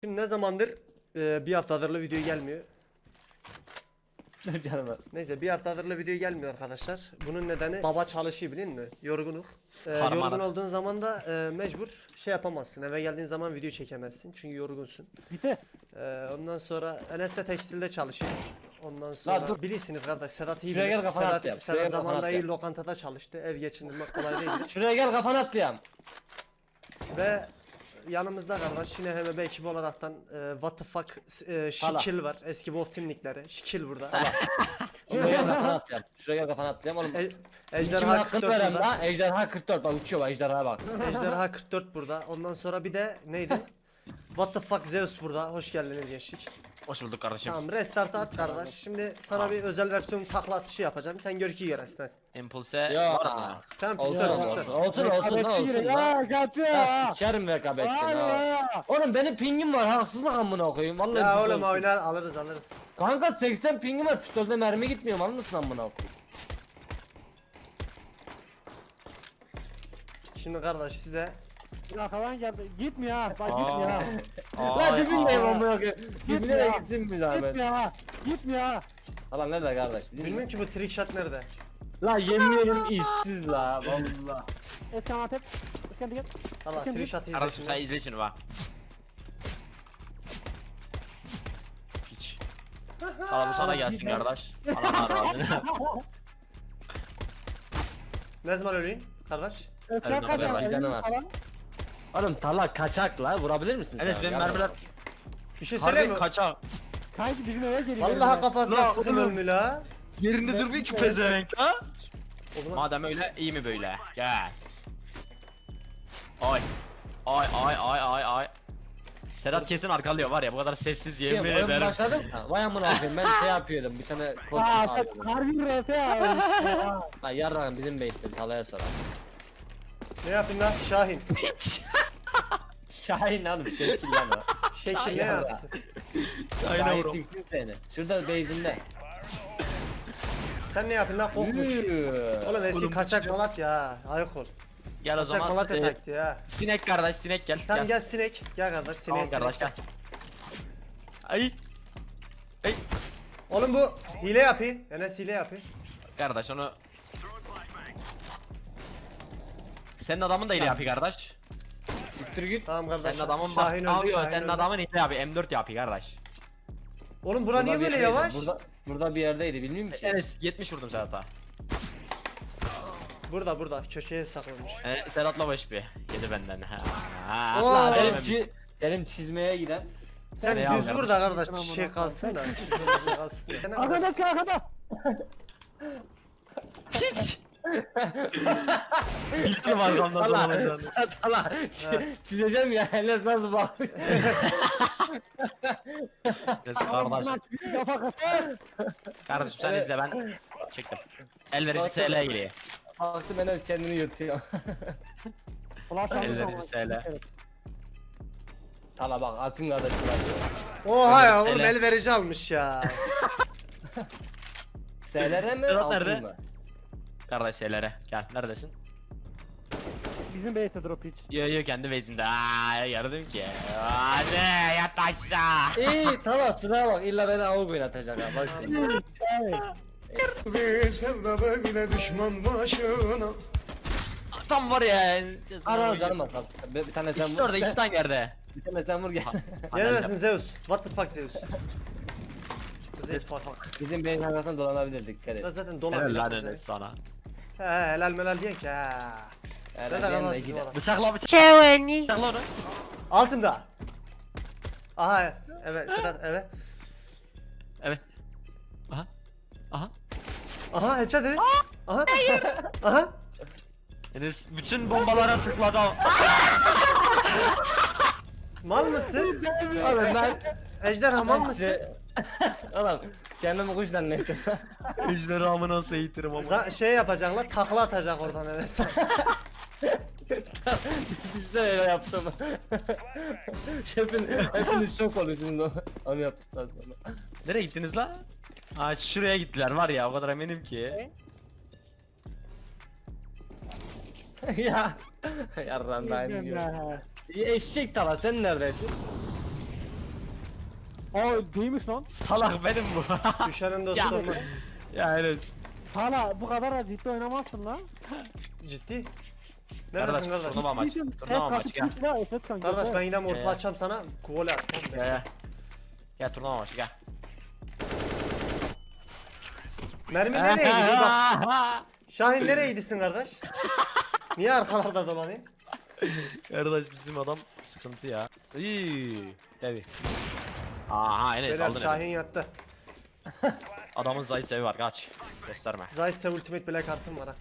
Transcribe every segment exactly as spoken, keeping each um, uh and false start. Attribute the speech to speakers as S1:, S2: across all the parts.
S1: Şimdi ne zamandır e, bir haftadır video gelmiyor.
S2: Canım.
S1: Neyse bir haftadır video gelmiyor arkadaşlar. Bunun nedeni baba çalışıyor bilin mi? Yorgunluk. E,
S3: Harman
S1: yorgun
S3: adam.
S1: olduğun zaman da e, mecbur şey yapamazsın. Eve geldiğin zaman video çekemezsin çünkü yorgunsun. E, ondan sonra Enes de tekstilde çalışıyor. Ondan sonra
S2: dur.
S1: bilirsiniz kardeş Sedat iyi
S2: Şuraya
S1: bilir.
S2: gel, kafana
S1: Sedat,
S2: atlayalım.
S1: Sedat
S2: Şuraya gel,
S1: zamanında
S2: kafana
S1: iyi
S2: atlayalım.
S1: lokantada çalıştı. Ev geçindirmek kolay değildir.
S2: Şuraya gel kafanı atlayayım.
S1: Ve yanımızda kardeş yine H M B ekibi olaraktan e, What the fuck e, Şikil var. Eski Wolf Team'likleri. Şikil burada.
S2: Şuraya gel kafanı atlayayım. Şuraya gel kafanı atlayayım oğlum.
S1: E,
S2: Kimin
S1: Ejderha
S2: hakkını
S1: kırk dört
S2: verem
S1: burada.
S2: la? Ejderha kırk dört bak uçuyor bak ejderhaya bak.
S1: Ejderha kırk dört burada. Ondan sonra bir de neydi? What the fuck Zeus burada. Hoş geldiniz gençlik.
S3: Hoş bulduk kardeşim.
S1: Tamam restart at kardeş. Şimdi sana bir özel versiyon takla atışı yapacağım. Sen gör ki göresin.
S3: Impulse
S2: Ya.
S3: var mı?
S1: Tamam
S2: Olsun
S1: pistol
S2: olsun
S1: pistol.
S2: olsun olsun ne olsun lan.
S4: Ya katıyor
S2: Ya
S4: ya.
S2: sikerim rekabetçini ha.
S4: ya.
S2: Oğlum benim pingim var haksızlık amına koyayım vallahi.
S1: Ya
S2: pistol
S1: oğlum
S2: olsun.
S1: oynar alırız alırız.
S2: Kanka seksen pingim var pistolde mermi gitmiyor mal mısın amına koyayım?
S1: Şimdi kardeş size
S4: Ya falan geldi. Gitmiyor ha. Bak
S3: Aa.
S4: gitmiyor ha.
S2: Lan dibindeyim
S4: aa.
S2: amına koyayım. Dibine de
S4: Gitmiyor.
S2: gitsin bir zahmet.
S4: Gitmiyor ha. Gitmiyor ha.
S2: Lan nerede kardeş?
S1: bilmiyorum ki bu trick shot nerede?
S2: La yemin ederim işsiz la valla.
S4: Eskan Antep. Eskan gel.
S1: Allah
S4: Bakın
S1: trick
S4: bir-
S1: shot izle
S3: Kardeşim sen
S1: şimdi.
S3: izle şunu bak. Hiç. Valla bu sana gelsin kardeş. Anam arvadını.
S1: Ne zaman öleyim kardeş?
S4: Eskan
S3: Hadi
S4: kaç
S3: bakalım,
S4: ya?
S2: canım var.
S4: Falan.
S2: Oğlum tala kaçak la vurabilir misin sen?
S3: Enes benim
S2: Yardım.
S3: mermiler
S1: Bir şey söyleyeyim
S3: harbi
S1: mi?
S3: kaçak.
S4: Kanki bizim eve geliyor.
S1: Vallahi kafasına
S3: La
S1: sıkın
S3: oğlum.
S1: ölmü la.
S3: Yerinde durmuyor ki pezevenk ha.
S1: O zaman
S3: Madem öyle iyi mi böyle? Gel. Ay. Ay ay ay ay ay. Sedat kesin arkalıyor var ya bu kadar sessiz
S2: Şey,
S3: yemin
S2: oyun
S3: ederim.
S2: başladı mı? Vay amına koyayım ben şey yapıyordum bir tane kod
S4: Aa
S2: alıyordum.
S4: sen harbi R P ya.
S2: Ha yarrağım bizim base'ten talaya sorar.
S1: ne yapayım lan Şahin?
S2: Şahin hanım şekil lan o.
S1: Şekil ne yapsın?
S3: Aynen
S2: Şahin
S3: bro.
S2: siksin seni. Şurada base'inde.
S1: Sen ne yapayım lan kokmuş.
S2: Yürü.
S1: Oğlum eski
S3: Oğlum,
S1: kaçak
S3: sıcak.
S1: Malatya ha. Ayık ol.
S3: Gel o
S1: Kaçak
S3: zaman.
S1: Malatya
S3: e,
S1: taktiği ha.
S3: sinek kardeş sinek gel.
S1: Tamam gel sinek. Gel kardeş sineğe
S3: Tamam kardeş
S1: sinek.
S3: gel. Ay. Ay.
S1: Oğlum bu hile yapıyor. Enes hile yapıyor.
S3: Kardeş onu. Senin adamın da ile yapıyor kardeş.
S2: Siktir git.
S1: Tamam kardeş.
S3: Senin adamın bak.
S1: Şahin öldü.
S3: Abi
S1: Şahin
S3: senin
S1: öldü.
S3: adamın ile yapıyor. M dört yapıyor kardeş.
S1: Oğlum bura niye
S2: Burada
S1: böyle
S2: bir yerdeydi,
S1: yavaş?
S2: Burada, burada bir yerdeydi bilmiyorum ki.
S3: Enes yetmiş vurdum Sedat'a.
S1: Burada burada köşeye saklanmış.
S3: E, Sedat'la baş bir. Yedi benden. Ha. Ha.
S1: Oo.
S3: Allah
S2: Benim,
S3: benim.
S2: çi benim çizmeye giden.
S1: Sen
S3: Nereye
S1: düz
S3: al
S1: vur da kardeş
S4: Tamam,
S1: şey
S4: tamam.
S1: kalsın da. çizmeler kalsın diye. Ne kadar-
S4: Arkada Eskan arkada.
S3: Hiç. Bildim arkamdan
S2: Allah
S3: dolanacağını.
S2: Allah çi- çizeceğim ya Enes nasıl bak.
S3: Neyse kardeş.
S4: Kafa kafa.
S3: Kardeşim sen
S2: Evet.
S3: izle ben çektim. Elverici S L geliyor.
S2: Baktım Enes kendini yırtıyor.
S4: Flash aldım
S3: Elleri
S4: ama.
S3: söyle.
S4: Evet.
S2: Tala bak atın kardeşi var.
S1: Oha ya
S3: Öyle
S1: oğlum
S3: sele.
S1: el verici almış ya.
S2: S'lere mi?
S3: Sedat
S2: altın
S3: nerede?
S2: mı?
S3: Kardeş şeylere gel neredesin?
S4: Bizim base'de drop hiç.
S3: Yo yo kendi base'inde. Aaa yardım ki. Hadi yat aşağı.
S2: İyi tamam sıraya bak illa beni avuk oynatacak ha bak şimdi.
S4: Evet.
S1: Sevda böyle düşman başına.
S3: Tam var ya.
S2: Ara canım asal. Bir, bir tane sen
S3: İkisi
S2: vur.
S3: de orada ikisi de aynı yerde.
S2: Bir tane sen vur gel.
S1: Neredesin Zeus? What the fuck Zeus? Zeus fuck.
S2: Bizim beyin arkasından dolanabilirdik dikkat et.
S1: Da zaten
S3: Helal
S1: dolan.
S3: lan Enes sana.
S1: He helal melal diyen ki ha.
S2: Yani
S1: Nerede
S2: benim
S1: kalmaz
S2: de
S1: bizim
S2: gide-
S1: adam?
S3: Bıçakla bıçak. Bıçakla onu.
S1: Altında. Aha evet Sedat evet.
S3: Evet. Aha. Aha.
S1: Aha headshot dedi. Aha. Aha.
S3: Enes bütün bombalara tıkladı.
S1: Mal mısın?
S2: Oğlum ben
S1: Ejderha mal mısın?
S2: Oğlum kendimi kuş zannettim.
S3: Ejderhamı nasıl eğitirim ama.
S1: Za- şey yapacaklar takla atacak oradan Enes.
S2: İşte öyle yaptım. Şefin hepiniz şok oluyorsunuz onu yaptıktan sonra.
S3: Nereye gittiniz la? Ha şuraya gittiler var ya o kadar eminim ki.
S2: ya. Yarram ben
S4: Bilmem
S2: gibi.
S4: ya.
S2: Eşek tala sen neredeydin?
S4: Aa değilmiş lan.
S3: Salak benim bu.
S1: Düşenin dostu
S3: Ya.
S1: olmaz.
S3: Ya evet.
S4: Hala bu kadar da ciddi oynamazsın lan.
S1: Ciddi. Neredesin
S3: Kardeş
S1: kardeş?
S3: turnuva maçı.
S4: Ciddiyim.
S3: Turnuva
S4: Ses
S3: maçı
S4: kaçıp
S3: gel.
S4: gitsin ha, ses kanka.
S1: Kardeş ben gidem orta
S3: Ya.
S1: açacağım sana. Kuvole at. Tamam
S3: Gel
S1: mı?
S3: gel. Gel turnuva maçı gel.
S1: Mermi nereye gidiyor bak. Şahin nereye gidiyorsun kardeş? Niye arkalarda dolanayım?
S3: Kardeş bizim adam sıkıntı ya. İyi. Tabi. Aha Enes
S1: Beyler
S3: aldın
S1: Şahin
S3: Enes.
S1: yattı.
S3: Adamın zayıf sevi var kaç. Gösterme.
S1: Zaytse ultimate bile kartım var ha.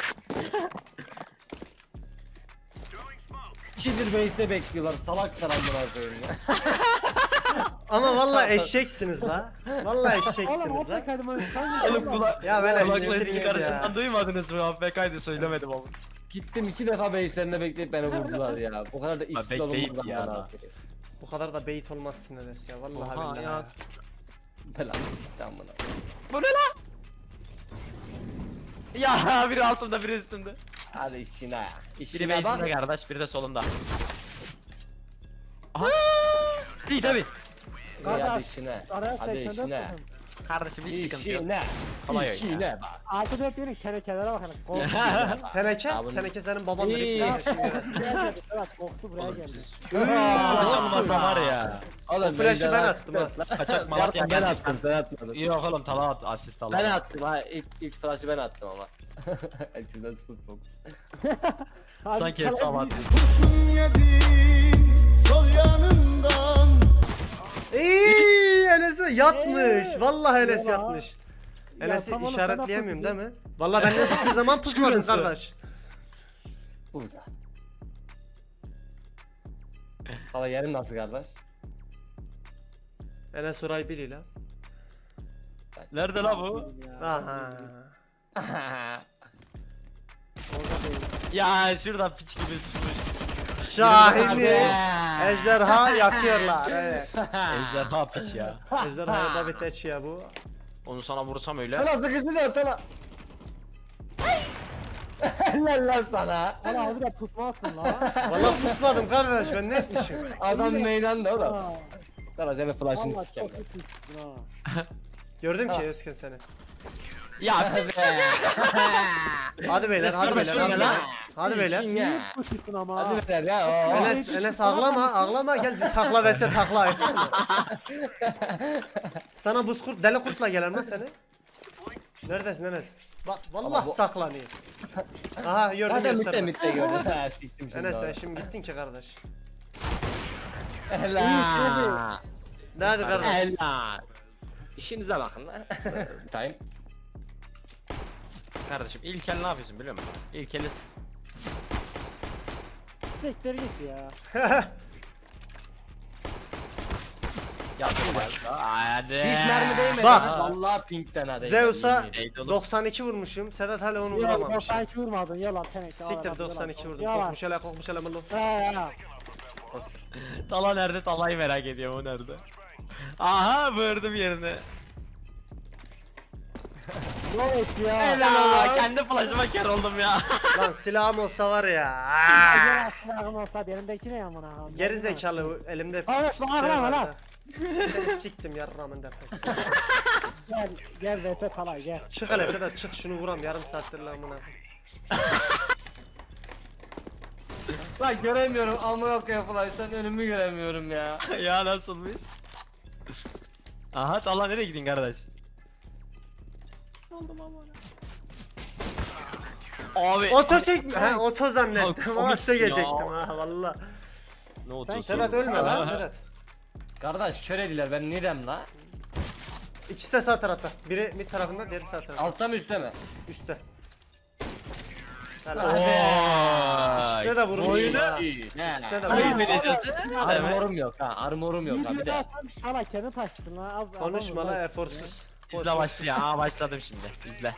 S2: Cheater base'de bekliyorlar. Salak karanlığa koyayım ya.
S1: Ama vallahi eşeksiniz la. Vallahi
S4: Oğlum
S1: eşeksiniz
S4: orta
S1: la.
S4: kaydım sen.
S3: Oğlum kula
S1: Ya ben siktir
S3: kulakla
S1: git
S3: karşısından
S1: ya.
S3: duymadınız mı? A F K'ydı söylemedim ama.
S2: Gittim iki defa base'lerinde bekleyip beni vurdular ya. O kadar da işsiz
S3: bekleyip
S2: olunmaz
S3: ya.
S2: ya.
S1: Bu kadar da bait olmazsın Enes ya. Vallahi
S3: Oha
S1: billahi.
S3: ya.
S1: Ya.
S2: Belanı sikti amına.
S3: Bu ne lan? Ya biri altımda biri üstümde.
S2: Hadi işine ya.
S3: Biri
S2: İşine bak.
S3: base'inde kardeş biri de solumda. Aha. İyi tabi.
S2: Hadi
S4: Kardeş,
S2: işine.
S4: Araya
S2: Hadi
S4: seksen dört
S2: işine.
S4: bakın.
S3: Kardeşim hiç sıkıntı yok.
S2: İşine.
S3: Kolay oyun
S2: İşine bak.
S4: Altı dört yerin kenekelere bakın. Koksu.
S1: Teneke,
S2: Ya bunu-
S1: teneke senin babandır.
S2: İyi.
S1: İyi. Yaşın göresin.
S4: Buraya geldi. Evet koksu buraya geldi.
S3: Nasıl var ya?
S2: Oğlum
S1: O flash'ı ben
S2: benden
S1: attım ha.
S3: Kaçak Malatya
S2: ben
S3: geldi.
S2: attım sen atmadın.
S3: Yok oğlum tala at asist al.
S2: Ben attım ha ilk ilk flash'ı ben attım ama. Herkesten full focus.
S4: Hadi
S3: Sanki
S4: kaleye
S3: hepsi ama
S4: bir-
S5: Kurşun yedim sol yanından.
S1: İyi Enes'e yatmış.
S4: Ee,
S1: Vallahi Enes
S4: ya.
S1: yatmış.
S4: Ya
S1: Enes'i
S4: tamam oğlum,
S1: işaretleyemiyorum
S4: sen
S1: değil mi? Vallahi ben de hiçbir zaman pusmadım
S3: Şurası.
S1: kardeş.
S2: Burada. Valla yerim nasıl kardeş?
S1: Enes orayı biliyor la.
S3: Nerede la bu?
S4: Ya.
S1: Aha.
S3: Ya şurada piç gibi tutmuş.
S1: Şahini.
S3: Hadi.
S1: Ejderha yatıyorlar. Evet.
S3: Ejderha piç ya.
S1: Ejderha da bir teç ya bu.
S3: Onu sana vursam öyle.
S2: Tala sıkıştı tala. Helal lan sana.
S4: Hala abi de pusmazsın la.
S1: Vallahi pusmadım kardeş ben ne etmişim?
S2: Adam meydanda oğlum.
S4: Ha,
S2: Tala senin flash'ını
S4: Vallahi
S2: sikeyim
S4: çok
S2: ben.
S4: iyi pussun ha.
S1: Gördüm ki Özkan seni.
S3: Ya piç.
S1: Hadi beyler, hadi beyler, hadi beyler. Hadi beyler.
S2: İşine.
S4: Pussun ama.
S2: Hadi beyler ya. oo.
S1: Enes, Enes ağlama, ağlama gel bir takla verse takla. Sana buz kurt, deli kurtla gelen mi seni? Neredesin Enes? Bak vallahi
S2: bu-
S1: saklanıyor. Aha gördüm
S2: Hadi mitte
S1: gösterme.
S2: mitte gördüm. Ha siktim şimdi.
S1: Enes sen
S2: onu.
S1: şimdi gittin ki kardeş.
S2: Helal.
S1: Ne hadi kardeş?
S2: Helal. İşinize bakın lan. Time.
S3: Kardeşim ilk el ne yapıyorsun biliyor musun? İlk eli
S4: Siktir git ya.
S3: yaptın başla. Hadi.
S2: Hiç mermi değmedi.
S1: Bak.
S2: ha. Vallahi pinkten hadi.
S1: Zeus'a
S3: Neydi oğlum?
S1: doksan iki vurmuşum. Sedat hala onu
S4: Yalan
S1: vuramamış.
S4: doksan iki vurmadın yalan teneke.
S1: Siktir doksan iki vurdum.
S4: Yalan.
S1: Kokmuş hele kokmuş hele mırlı.
S4: He ya.
S3: Tala nerede? Talayı merak ediyorum o nerede? Aha vurdum yerine.
S4: Ne et ya.
S3: Helal. Kendi flash'ıma kar oldum ya.
S1: Lan silahım olsa var ya.
S4: Gel aslında olsa elimdeki ne yamına.
S1: Geri zekalı elimde
S4: Hayır,
S1: şey
S4: bana bırak,
S1: vardı. Seni siktim yarramın defesi.
S4: Gel gel vs Talay gel.
S1: Çık hele Sedat çık şunu vuram yarım saattir lan amına.
S2: Lan göremiyorum. Amına koyayım flash'tan önümü göremiyorum ya.
S3: ya nasılmış? Aha Tala nereye gidin kardeş? Abi.
S1: Oto çek. He oto zannettim.
S3: Abi,
S1: Ama
S3: komiksin
S1: size
S3: ya.
S1: gelecektim ha valla.
S3: Ne oldu?
S1: Sedat ölme lan Sedat.
S2: Kardeş kör ediler ben neydim la?
S1: İkisi de sağ tarafta. Biri mid tarafında, diğeri sağ tarafta.
S2: Altta mı üstte mi?
S1: Üstte.
S2: Hadi.
S1: Helal. İkisine de vurmuş
S3: Oyunu-
S1: ha.
S2: Ne?
S1: İkisine de
S3: Oyun
S1: vurmuş.
S3: menajeri.
S2: Armorum yok ha. Armorum yok ha bir
S4: Bir
S2: de.
S4: daha sen şala kendi taştın lan. Az
S1: Konuşma
S4: adam-
S1: la eforsuz.
S3: İzle başlıyor. Aa başladım şimdi. İzle.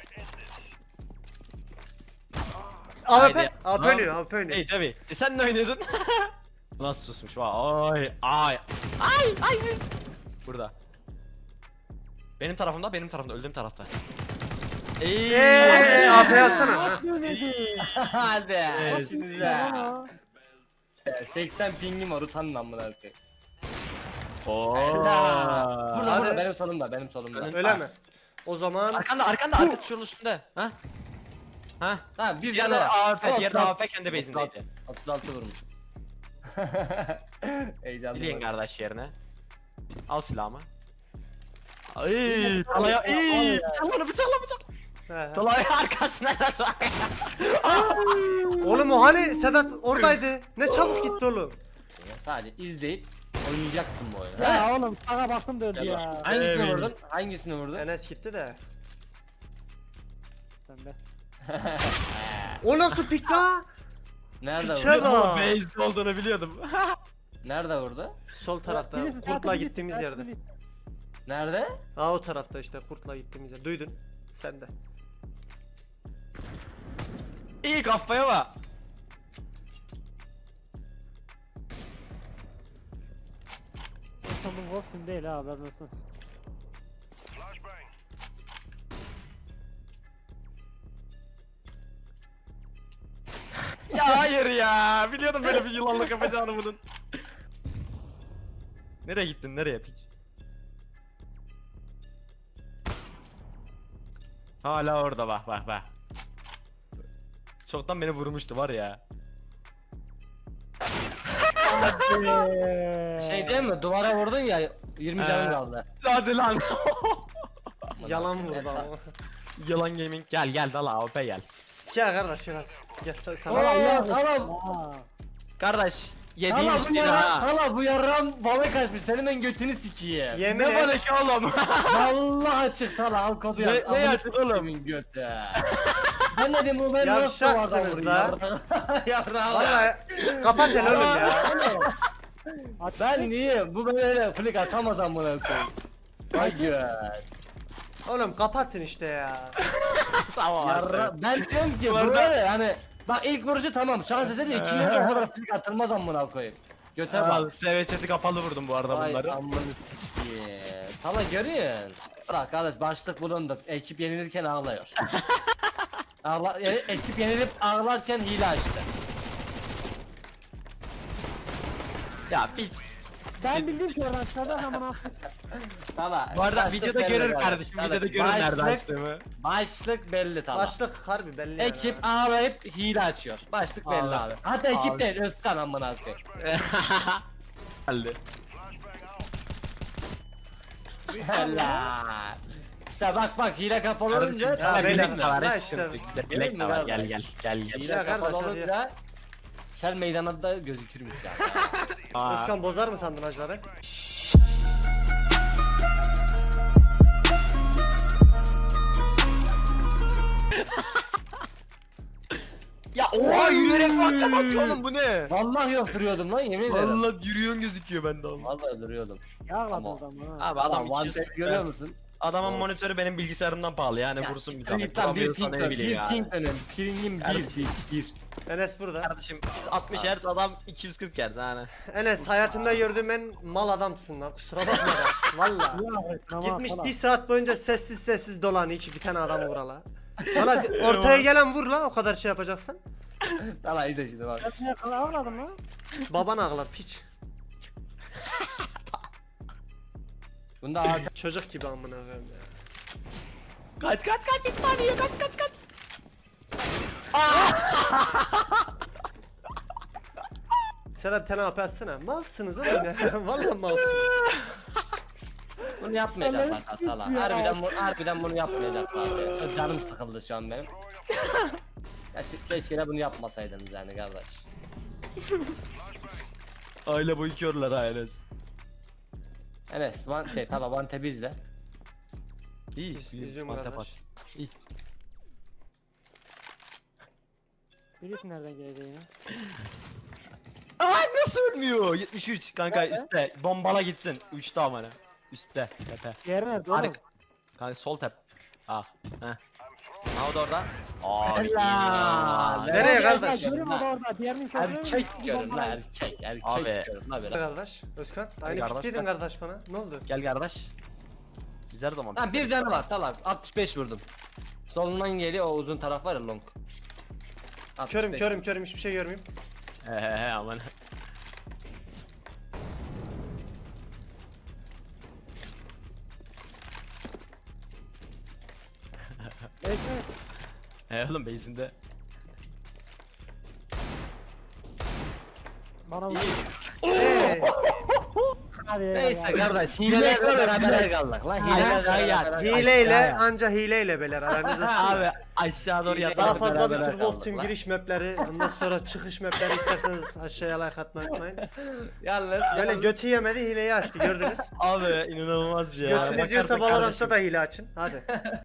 S1: A W P.
S3: Haydi.
S1: A W P oynuyor, A W P oynuyor.
S3: İyi tabi. E sen ne oynuyordun? Nasıl susmuş vay. Ay ay. Ay ay. Burada. Benim tarafımda, benim tarafımda, öldüğüm tarafta. Eee.
S1: Eee A W P yazsana. ha.
S2: Hadi.
S3: Evet.
S2: İşinize. seksen pingim var utanın amına koyayım.
S3: Oo.
S2: Burada
S1: Hadi.
S2: burada benim solumda benim solumda.
S1: Öyle mi? O zaman
S3: Arkanda arkanda arkanda şunun üstünde. Ha? Ha?
S2: Ha bir
S3: Bir
S2: canı
S3: yerde
S2: var.
S3: A W P,
S2: Tamam,
S3: diğerde
S2: tamam.
S3: A W P kendi base'indeydi.
S2: otuz altı vurmuş. Heyecanlı.
S3: Bilin
S2: bak.
S3: kardeş yerine. Al silahımı. Ay, Talaya, ay, bıçakla bıçakla bıçak.
S1: He, he.
S3: Talaya arkasına nasıl?
S1: Oğlum o hani Sedat oradaydı. Ne çabuk gitti oğlum.
S2: Sadece izleyip oynayacaksın bu oyunu.
S4: Ya oğlum sağa baktım döndü ya.
S2: Hangisini
S3: Evet.
S2: vurdun? Hangisini vurdun?
S1: Enes gitti de.
S4: Sen de.
S1: O nasıl pik la?
S2: Nerede
S1: Piçe
S2: vurdu?
S1: bak.
S3: Ama base olduğunu biliyordum.
S2: Nerede vurdu?
S1: Sol tarafta
S4: Birisi
S1: kurtla
S4: zaten
S1: gittiğimiz
S4: birisi-
S1: yerde.
S2: Nerede?
S1: Aa o tarafta işte kurtla gittiğimiz yer. Duydun. Sen de.
S3: İyi kafaya bak.
S4: İstanbul Wolf'un değil ha haberin olsun.
S3: Ya hayır ya. Biliyordum böyle bir yılanlık yapacağını bunun. Nereye gittin? Nereye piç? Hala orada bak bak bak. Çoktan beni vurmuştu var ya.
S2: Şey değil mi? Duvara vurdun ya yirmi canın
S3: Ee.
S2: kaldı.
S3: Hadi lan.
S1: Yalan vurdu ama.
S3: Yalan gaming gel gel dala A W P gel.
S1: Gel kardeş gel hadi. Gel sen sana.
S2: Oo, tamam.
S4: Aa.
S3: Kardeş yediğin
S2: Hala bu
S3: üstüne
S2: yaran,
S3: ha.
S2: hala bu yaran balık kaçmış. Senin ben götünü sikeyim.
S1: Yemin
S3: Ne
S1: et.
S3: balık oğlum?
S2: Vallahi çıktı hala al kodu
S3: Ne-
S2: yaz.
S3: ne
S2: Amına
S3: açık oğlum?
S2: sikeyim götü. Ben dedim bu ben nasıl
S1: Yavşaksınız
S2: duvardan
S1: la.
S2: vurayım? Yarrağı.
S1: Vallahi kapat el oğlum ya.
S2: Ben niye? Bu böyle öyle flick atamaz amına koyayım. Vay gör.
S1: Oğlum kapatın işte ya.
S3: Tamam
S2: Yarra ben diyorum ki bu
S3: Duvarda-
S2: böyle hani bak ilk vuruşu tamam şans eseri ikinci vuruşu o kadar flick atılmaz amına koyayım. Göte bak.
S3: Abi S V Ç'si kapalı vurdum bu arada
S2: Vay
S3: bunları.
S2: amını sikeyim. Tala görüyorsun. Bırak kardeş başlık bulunduk. Ekip yenilirken ağlıyor. Ağla, yani ekip yenilip ağlarken hile açtı.
S3: Ya piç.
S4: Ben bildim ki oradan çıkardı ama nasıl?
S2: Tala.
S3: Bu arada
S2: başlık
S3: videoda
S2: belli
S3: görür
S2: kardeş.
S3: kardeşim.
S2: Evet,
S3: Videoda görür nerede
S2: başlık-
S3: açtığımı.
S2: Başlık belli Tala.
S1: Başlık harbi belli yani.
S2: Ekip ağlayıp hile açıyor. Başlık belli
S3: Abi.
S2: abi. Hatta ekip
S3: Abi.
S2: değil Özkan amına koyayım.
S3: Geldi.
S2: Helal. İşte bak bak hile kapalı olunca
S3: Kardeşim,
S1: Ya
S3: ya
S1: beyler,
S3: bilek de var.
S1: ya
S3: hiç
S1: işte.
S3: sıkıntı yok.
S2: Görüyor
S3: Bilek de
S2: musun
S3: var. Gel
S2: kardeş?
S3: gel gel gel.
S2: hile
S1: Ya
S2: kapalı
S1: kardeş, hadi
S2: olunca şer meydanında da gözükürmüş yani.
S3: Aa,
S1: Özkan bozar mı sandın hacıları?
S3: Ya oha yürüyerek bakta bakıyor oğlum bu ne?
S2: Vallahi yok duruyordum lan yemin ederim.
S3: Vallahi yürüyorsun gözüküyor bende oğlum.
S2: Vallahi duruyordum.
S4: Yağladı
S2: Tamam.
S4: adamı ha.
S3: Abi adam
S2: Adam one
S3: iki yüz
S2: tap görüyor musun?
S3: Adamın monitörü benim bilgisayarımdan pahalı yani vursun bir tane.
S2: Tam bir
S3: Vuramıyorsa
S2: ping
S3: ne
S2: dön,
S3: bileyim
S2: bir
S3: yani.
S2: ping dönün. Pingim bir, bir, bir.
S1: Enes burada.
S3: Kardeşim biz altmış Hz adam iki yüz kırk Hz yani.
S1: Enes hayatımda gördüğüm en mal adamsın lan kusura bakma da. Valla. Gitmiş bir saat boyunca sessiz sessiz dolanıyor iki bir tane adamı vurala. Valla ortaya gelen vur la o kadar şey yapacaksan.
S2: Tamam izle şimdi bak.
S4: Ben ne kadar ağladım lan?
S1: Baban ağlar piç.
S2: Bunda artık
S1: Çocuk gibi amına koyayım ya.
S3: Kaç kaç kaç üç tane yiyor kaç kaç kaç.
S1: Sedat tane AP atsana. Malsınız oğlum ya. Valla malsınız.
S2: bunu yapmayacaklar
S4: Allah'ım
S2: Tala.
S4: ya.
S2: Harbiden, bu, harbiden bunu yapmayacaklar. Çok canım sıkıldı şu an benim. Ya şi- keşke de bunu yapmasaydınız yani kardeş.
S3: Aile boyu körler aile.
S2: Enes, one, şey tamam one tap izle.
S3: İyi.
S1: Yüz-
S3: iyi,
S1: yüzüğüm
S3: mantap
S1: kardeş.
S3: at. İyi.
S4: Birisi nereden geldi yine?
S3: Ay nasıl ölmüyor? yetmiş üç kanka üstte. Bombala gitsin. üçte amına. Üstte. Tepe.
S4: Diğeri nerede oğlum?
S3: Harika. Kanka sol tep. Ah. Heh. Ha o da orada. Abi.
S2: Helal.
S1: Nereye
S4: Ya, ya,
S1: kardeş?
S4: Görüyor musun orada? Diğerinin körünü
S2: Erkek diyorum la erkek, erkek
S3: Abi.
S2: diyorum la biraz.
S1: Kardeş. Özkan aynı
S3: kardeş,
S1: pikliydin
S3: ben-
S1: kardeş bana. Ne oldu?
S3: Gel kardeş. Biz her zaman.
S2: Lan bir canı var Tala, altmış beş vurdum. Solundan geliyor o uzun taraf var ya long. altmış
S1: Körüm
S2: beş.
S1: körüm körüm hiçbir şey görmeyeyim.
S3: He he he aman. Ay nasıl ölmüyor? yetmiş üç. Kanka üstte. Bomba. Bomba. Kanka sol tep. Ah. Heh. Ha o da orada. Gel kardeş.
S2: Lan bir canı var Tala, altmış beş vurdum. Solundan geliyor o uzun taraf var ya long.
S3: He he he aman.
S4: Bekle.
S3: He oğlum base'inde.
S4: Bana vur.
S1: Ee,
S4: Hadi
S2: Neyse
S4: eyvallah.
S2: kardeş hilelerle beraber kaldık lan.
S3: Hilelerle
S2: Hilelerle
S3: gel.
S2: beraber-
S1: hileyle anca hileyle beyler aranız olsun.
S3: Abi aşağı doğru
S2: Hile-
S3: yat.
S1: Daha fazla bir
S2: beraber
S1: Turbo
S2: kaldık
S1: Team
S2: lan.
S1: giriş mapleri, ondan sonra çıkış mapleri isterseniz aşağıya like atmayı unutmayın.
S3: Yalnız.
S1: Böyle
S3: yalnız-
S1: götü yemedi hileyi açtı gördünüz.
S3: Abi inanılmaz ya.
S1: Götünüz yiyorsa
S3: Bakarsak
S1: Valorant'ta
S3: kardeşim.
S1: da hile açın. Hadi.